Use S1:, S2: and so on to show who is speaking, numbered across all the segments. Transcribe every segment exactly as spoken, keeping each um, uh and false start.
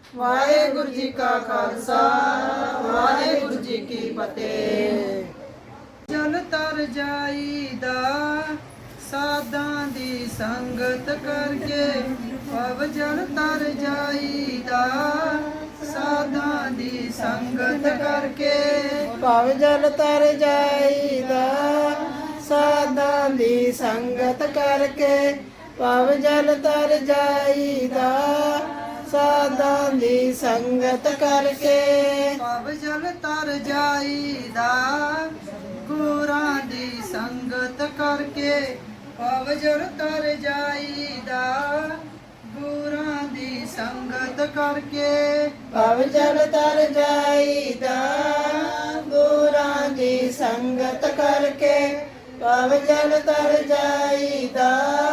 S1: ਵਾਹਿਗੁਰੂ ਜੀ ਕਾ ਖਾਲਸਾ ਵਾਹਿਗੁਰੂ ਜੀ ਕੀ ਫਤਿਹ। ਜਲ ਤਰ ਜਾਈਦਾ ਸਾਧਾਂ ਦੀ ਸੰਗਤ ਕਰਕੇ, ਭਵ ਜਲ ਤਰ ਜਾਈਦਾ ਸਾਧਾਂ ਦੀ ਸੰਗਤ ਕਰਕੇ,
S2: ਭਵ ਜਲ ਤਰ ਜਾਈਦਾ ਸਾਧਾਂ ਦੀ ਸੰਗਤ ਕਰਕੇ, ਭਵ ਜਲ ਤਰ ਜਾਈਦਾ ਸਾਧਾਂ ਦੀ ਸੰਗਤ ਕਰਕੇ,
S1: ਭਵ ਜਲ ਤਰ ਜਾਈਦਾ ਗੁਰਾਂ ਦੀ ਸੰਗਤ ਕਰਕੇ, ਭਵ ਜਲ ਤਰ ਜਾਈਦਾ ਗੁਰਾਂ ਦੀ ਸੰਗਤ ਕਰਕੇ,
S2: ਭਵ ਜਲ ਤਰ ਜਾਈਦਾ ਗੁਰਾਂ ਦੀ ਸੰਗਤ ਕਰਕੇ, ਭਵ ਜਲ ਤਰ ਜਾਈਦਾ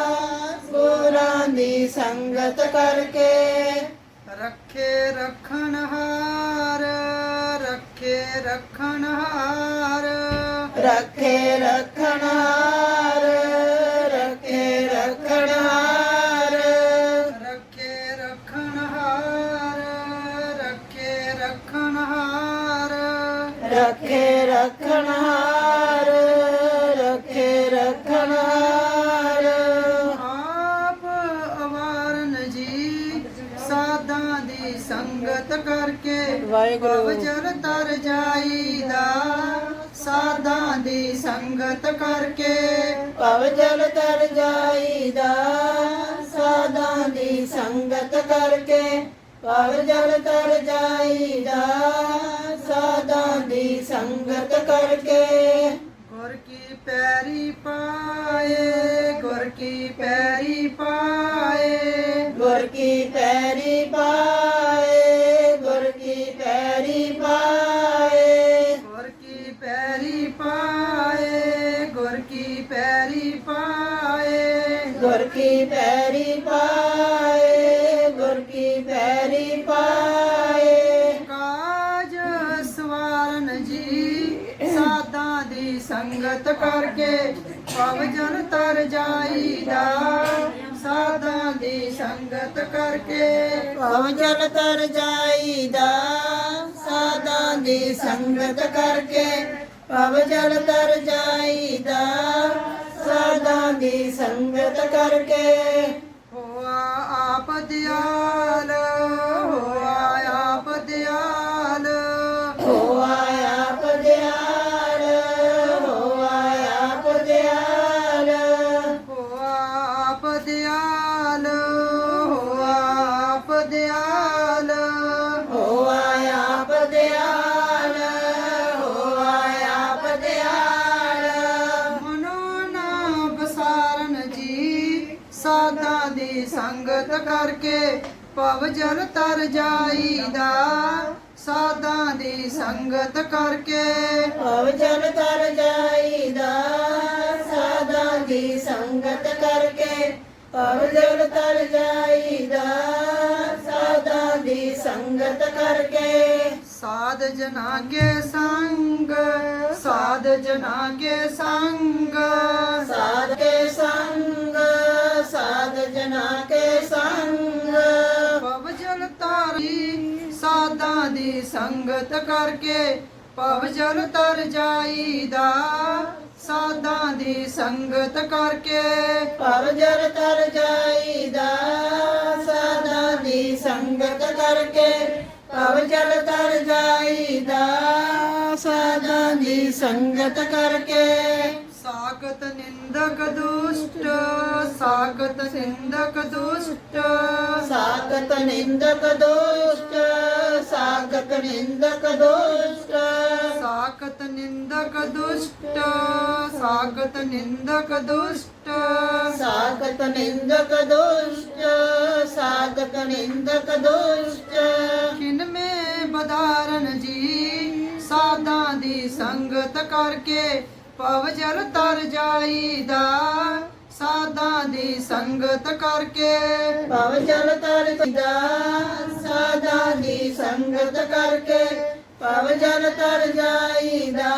S2: ਗੁਰਾਂ ਦੀ ਸੰਗਤ ਕਰਕੇ,
S1: ਰੱਖੇ ਰੱਖਣ ਹਾਰ ਰੱਖੇ ਰੱਖਣ ਹਾਰ
S2: ਰੱਖੇ ਰੱਖਣ ਹਾਰ ਰੱਖੇ ਰੱਖਣ ਹਾਰ
S1: ਰੱਖੇ ਰੱਖਣ ਹਾਰ ਰੱਖੇ ਰੱਖਣ ਹਾਰ
S2: ਰੱਖੇ ਰੱਖਣ ਹਾਰ ਰੱਖੇ ਰੱਖਣ ਹਾਰ
S1: ਆਪ ਅਵਾਰਨ ਜੀ ਸਾਧਾਂ ਦੀ ਸੰਗਤ ਕਰਕੇ,
S2: ਵਾਹਿਗੁਰੂ।
S1: ਭਵ ਜਲ ਤਰ ਜਾਈਦਾ ਸਾਧਾਂ ਦੀ ਸੰਗਤ ਕਰਕੇ,
S2: ਭਵ ਜਲ ਤਰ ਜਾਈਦਾ ਸਾਧਾਂ ਦੀ ਸੰਗਤ ਕਰਕੇ, ਭਵ ਜਲ ਤਰ ਜਾਈਦਾ ਸਾਧਾਂ ਦੀ ਸੰਗਤ ਕਰਕੇ,
S1: ਗੁਰ ਕੀ ਪੈਰੀ ਪਾਏ ਗੁਰ ਕੀ ਪੈਰੀ ਪਾਏ
S2: ਗੁਰ ਕੀ ਪੈਰੀ ਪਾਏ ਗੁਰ ਕੀ ਪੈਰੀ ਪਾਏ
S1: ਗੁਰ ਕੀ ਪੈਰੀ ਪਾਏ ਗੁਰ ਕੀ ਪੈਰੀ ਪਾਏ
S2: ਗੁਰ ਕੀ ਪੈਰੀ ਪਾਏ ਗੁਰ ਕੀ ਪੈਰੀ ਪਾਏ
S1: ਕਾਜ ਸਵਾਰਨ ਜੀ ਸਾਧਾਂ ਦੀ ਸੰਗਤ ਕਰਕੇ, ਭਵ ਜਲ ਤਰ ਜਾਈਦਾ ਸਾਧਾਂ ਦੀ ਸੰਗਤ ਕਰਕੇ,
S2: ਭਵ ਜਲ ਤਰ ਜਾਈਦਾ ਸਾਧਾਂ ਦੀ ਸੰਗਤ ਕਰਕੇ, ਭਵ ਜਲ ਤਰ ਜਾਈਦਾ ਸਾਧਾਂ ਦੀ ਸੰਗਤ ਕਰਕੇ,
S1: ਹੋਆ ਆਪ ਦਿਆਲ ਹੋਆ ਆਪ ਦਿਆਲ
S2: ਹੋਆ ਆਪ ਦਿਆਲ ਹੋਆ ਆਪ ਦਿਆਲ
S1: ਹੋਆ ਆਪ ਦਿਆਲ ਹੋਆ ਆਪ ਦਿਆਲ
S2: ਹੋਆ ਆਪ ਦਿਆਲ ਹੋਆ ਆਪ ਦਿਆਲ
S1: ਮਨੋ ਨਾ ਬਸਾਰਨ ਜੀ ਸਾਧਾਂ ਦੀ ਸੰਗਤ ਕਰਕੇ, ਭਵ ਜਲ ਤਰ ਜਾਈਦਾ ਸਾਧਾਂ ਦੀ ਸੰਗਤ ਕਰਕੇ,
S2: ਭਵ ਜਲ ਤਰ ਜਾਈਦਾ ਸਾਧਾਂ ਦੀ ਸੰਗਤ ਕਰਕੇ, ਭਵ ਜਲ ਤਰ ਜਾਈਦਾ ਸਾਧਾਂ ਦੀ ਸੰਗਤ ਕਰਕੇ,
S1: ਸਾਧ ਜਨਾ ਕੇ ਸੰਗ ਸਾਧ ਜਨਾ ਕੇ ਸੰਗ
S2: ਸਾਧ ਕੇ ਸੰਗ ਸਾਧ ਜਨਾ ਕੇ ਸੰਗ,
S1: ਭਵ ਜਲ ਤਾਰੀ ਸਾਧਾਂ ਦੀ ਸੰਗਤ ਕਰਕੇ, ਭਵ ਜਲ ਤਰ ਜਾਈਦਾ ਸਾਧਾਂ ਦੀ ਸੰਗਤ ਕਰਕੇ,
S2: ਭਵ ਜਲ ਤਰ ਜਾਈਦਾ ਸਾਧਾਂ ਦੀ ਸੰਗਤ ਕਰਕੇ, ਭਵ ਜਲ ਤਰ ਜਾਈਦਾ ਸਾਧਾਂ ਦੀ ਸੰਗਤ ਕਰਕੇ,
S1: ਸਾਖਤ ਨਿੰਦਕ ਦੁਸ਼ਟ ਸਾਖਤ ਨਿੰਦਕ ਦੁਸ਼ਟ
S2: ਸਾਖਤ ਨਿੰਦਕ ਦੋਸ਼ਟ ਸਾਖਤ ਨਿੰਦਕ ਦੋਸ਼ਟ
S1: ਸਾਖਤ ਨਿੰਦਕ ਦੁਸ਼ਟ ਸਾਖਤ ਨਿੰਦਕ ਦੁਸ਼ਟ
S2: ਸਾਖਤ ਨਿੰਦਕ ਦੋਸ਼ਟ ਸਾਖਤ ਨਿੰਦਕ ਦੋਸ਼ਟ
S1: ਕਿਨ ਮੇ ਬਦਾਰਨ ਜੀ ਸਾਧਾਂ ਦੀ ਸੰਗਤ ਕਰਕੇ, ਭਵ ਜਲ ਤਰ ਜਾਈਦਾ ਸਾਧਾਂ ਦੀ ਸੰਗਤ ਕਰਕੇ,
S2: ਭਵ ਜਲ ਤਰ ਜਾਈਦਾ ਸਾਧਾਂ ਦੀ ਸੰਗਤ ਕਰਕੇ, ਭਵ ਜਲ ਤਰ ਜਾਈਦਾ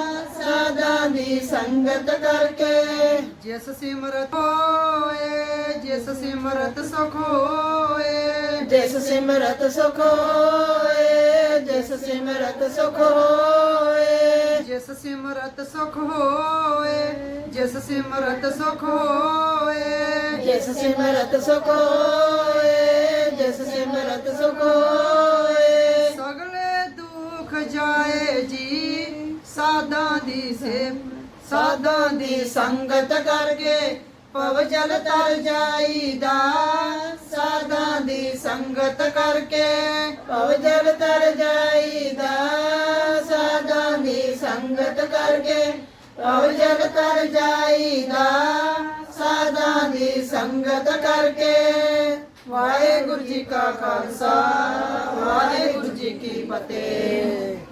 S2: ਸਾਧਾਂ ਦੀ ਸੰਗਤ ਕਰਕੇ,
S1: ਜਿਸ ਸਿਮਰਤ ਹੋਏ ਜਿਸ ਸਿਮਰਤ ਸੁਖ ਹੋਏ
S2: ਜਿਸ ਸਿਮਰਤ ਸੁਖ ਹੋਏ ਜਿਸ ਸਿਮਰਤ ਸੁਖ ਹੋਏ
S1: ਜਿਸ ਸਿਮਰਤ ਸੁਖ ਹੋਏ ਜਿਸ ਸਿਮਰਤ ਸੁਖ ਹੋਏ
S2: ਜਿਸ ਸਿਮਰਤ ਸੁਖ ਹੋਏ ਜਿਸ ਸਿਮਰਤ ਸੁਖ ਹੋਏ
S1: ਸਗਲੇ ਦੁੱਖ ਜਾਏ ਜੀ ਸਾਧਾਂ ਦੀ ਸੇਵ ਸਾਧਾਂ ਦੀ ਸੰਗਤ ਕਰਕੇ ਭਵ ਜਲ ਤਰ ਜਾਈਦਾ ਸਾਧਾਂ ਦੀ ਸੰਗਤ ਕਰਕੇ
S2: ਭਵ ਜਲ ਤਰ ਜਾਈਦਾ ਸਾਧਾਂ ਦੀ ਸੰਗਤ ਕਰਕੇ ਭਵ ਜਲ ਤਰ ਜਾਈਦਾ ਸਾਧਾਂ ਦੀ ਸੰਗਤ ਕਰਕੇ ਵਾਹਿਗੁਰੂ ਜੀ ਕਾ ਖਾਲਸਾ ਵਾਹਿਗੁਰੂ ਜੀ ਕੀ ਫਤਿਹ।